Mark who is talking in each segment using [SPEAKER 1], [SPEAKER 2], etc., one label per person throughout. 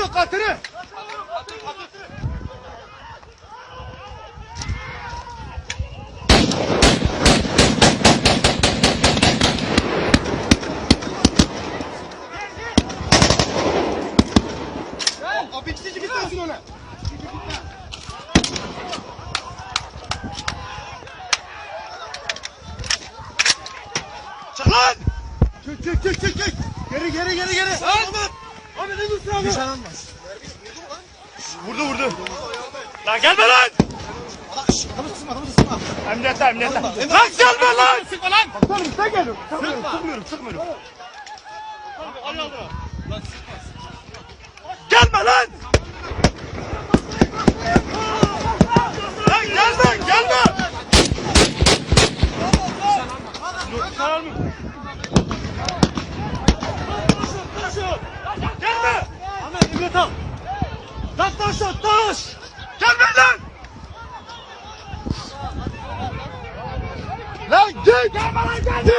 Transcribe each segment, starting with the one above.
[SPEAKER 1] katını. O bitişi bitmesin ona. Çık lan! Çık. Geri. Ahmet ne dursun abi? Nişan almaz. Vurdu. Lan gelme lan! Adamı sıkma. Emniyete. Lan gelme lan! Sıkma lan! Komutanım sen geliyorum. Sıkmıyorum. Gelme lan! Lan gelme! Gelme! Ahmet emniyet al! Taş! Gelme lan! Lan git! Gelme lan!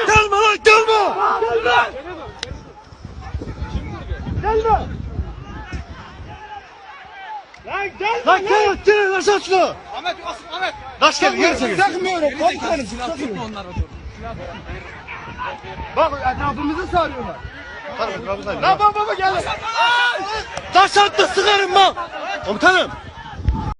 [SPEAKER 1] Lan gel aşağı şunu!
[SPEAKER 2] Ahmet!
[SPEAKER 1] Taş gel geri çekil!
[SPEAKER 3] Takmıyorum komutanım. Onlar
[SPEAKER 1] Bak etrafımızı sarıyorlar. Lan baba gel! Taş attı sıkarım bak! Komutanım!